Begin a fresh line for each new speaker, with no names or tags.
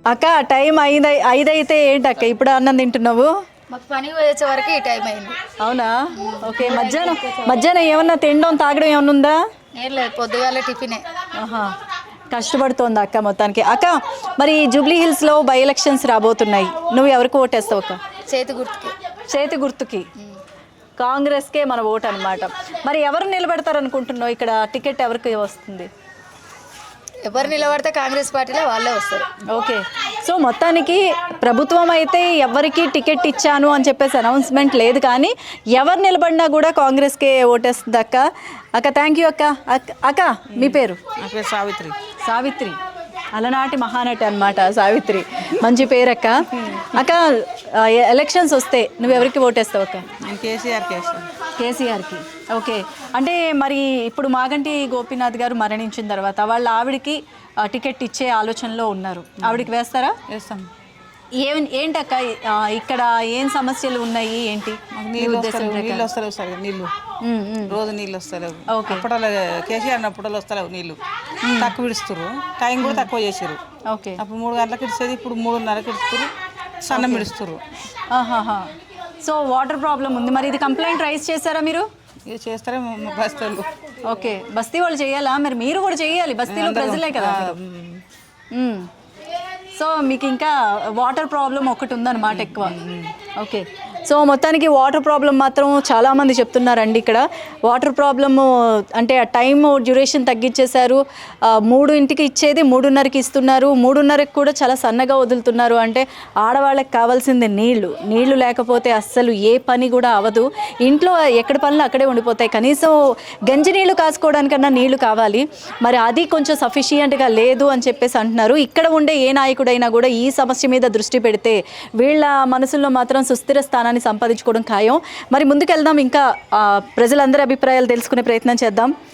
అక్క టైం 5 అయితే ఏంటి అక్క ఇప్పుడు అన్నం తింటున్నావు?
మాకు పని వచ్చే వరకు ఈ టైం అయింది.
అవునా? ఓకే. మధ్యాహ్నం ఏమన్నా తినడం తాగడం ఏమన్నా ఉందా?
ఏం లేదు, పొద్దుగాల టిఫినే.
ఆహా, కష్టపడుతోంది అక్క మొత్తానికి. అక్క మరి జూబ్లీ హిల్స్లో బై ఎలక్షన్స్ రాబోతున్నాయి, నువ్వు ఎవరికి ఓటేస్తావు అక్క?
చేతి గుర్తుకి.
చేతి గుర్తుకి, కాంగ్రెస్కే మన ఓటు అనమాట. మరి ఎవరు నిలబెడతారు అనుకుంటున్నావు ఇక్కడ? టికెట్ ఎవరికి వస్తుంది?
ఎవరు నిలబడితే కాంగ్రెస్ పార్టీలో వాళ్ళే వస్తారు.
ఓకే. సో మొత్తానికి ప్రభుత్వం అయితే ఎవరికి టికెట్ ఇచ్చాను అని చెప్పేసి అనౌన్స్మెంట్ లేదు, కానీ ఎవరు నిలబడినా కూడా కాంగ్రెస్కే ఓటేస్తుంది అక్క. అక్క థ్యాంక్ యూ అక్క. అక్క మీ పేరు?
సావిత్రి.
సావిత్రి, అలనాటి మహానటి అనమాట సావిత్రి. మంచి పేరు అక్క. అక్క ఎలక్షన్స్ వస్తే నువ్వు ఎవరికి ఓటేస్తావు అక్క?
నేను కేసీఆర్కి వేస్తాను.
కేసీఆర్కి. ఓకే. అంటే మరి ఇప్పుడు మాగంటి గోపీనాథ్ గారు మరణించిన తర్వాత వాళ్ళ ఆవిడకి టికెట్ ఇచ్చే ఆలోచనలో ఉన్నారు, ఆవిడకి వేస్తారా?
వేస్తాం.
ఏంటక్క ఇక్కడ ఏం సమస్యలు ఉన్నాయి ఏంటి?
నీళ్ళు వస్తలేవు సార్, నీళ్ళు రోజు నీళ్ళు వస్తలేవు. అప్పట్లో కేసీఆర్ అప్పట్లో వస్తలేవు నీళ్ళు, తక్కువ విడుస్తారు, టైం కూడా తక్కువ చేసారు.
ఓకే.
అప్పుడు 3 గంటలకు ఇడిచేది, ఇప్పుడు 3:30కి ఇడుస్తారు, సన్నం విడుస్తారు.
సో వాటర్ ప్రాబ్లం ఉంది. మరి ఇది కంప్లైంట్ రైజ్ చేశారా మీరు?
ఇక చేస్తారే మా బస్తీలు.
ఓకే, బస్తీ వాళ్ళు చేయాలా? మరి మీరు కూడా చేయాలి, బస్తీలో ప్రజలే కదా. సో మీకు ఇంకా వాటర్ ప్రాబ్లం ఒకటి ఉందన్నమాట ఎక్కువ. ఓకే. సో మొత్తానికి వాటర్ ప్రాబ్లం మాత్రం చాలామంది చెప్తున్నారండి ఇక్కడ. వాటర్ ప్రాబ్లము అంటే ఆ టైం డ్యూరేషన్ తగ్గించేశారు. 3ంటికి ఇచ్చేది 3:30కి ఇస్తున్నారు, 3:30కి కూడా చాలా సన్నగా వదులుతున్నారు. అంటే ఆడవాళ్ళకి కావాల్సింది నీళ్లు లేకపోతే అస్సలు ఏ పని కూడా అవ్వదు. ఇంట్లో ఎక్కడ పనులు అక్కడే ఉండిపోతాయి. కనీసం గంజి నీళ్లు కాసుకోవడానికన్నా నీళ్లు కావాలి. మరి అది కొంచెం సఫిషియంట్గా లేదు అని చెప్పేసి అంటున్నారు. ఇక్కడ ఉండే ఏ నాయకుడైనా కూడా ఈ సమస్య మీద దృష్టి పెడితే వీళ్ళ మనసుల్లో మాత్రం సుస్థిర స్థానాన్ని సంపాదించుకోవడం ఖాయం. మరి ముందుకెళ్దాం, ఇంకా ప్రజలందరి అభిప్రాయాలు తెలుసుకునే ప్రయత్నం చేద్దాం.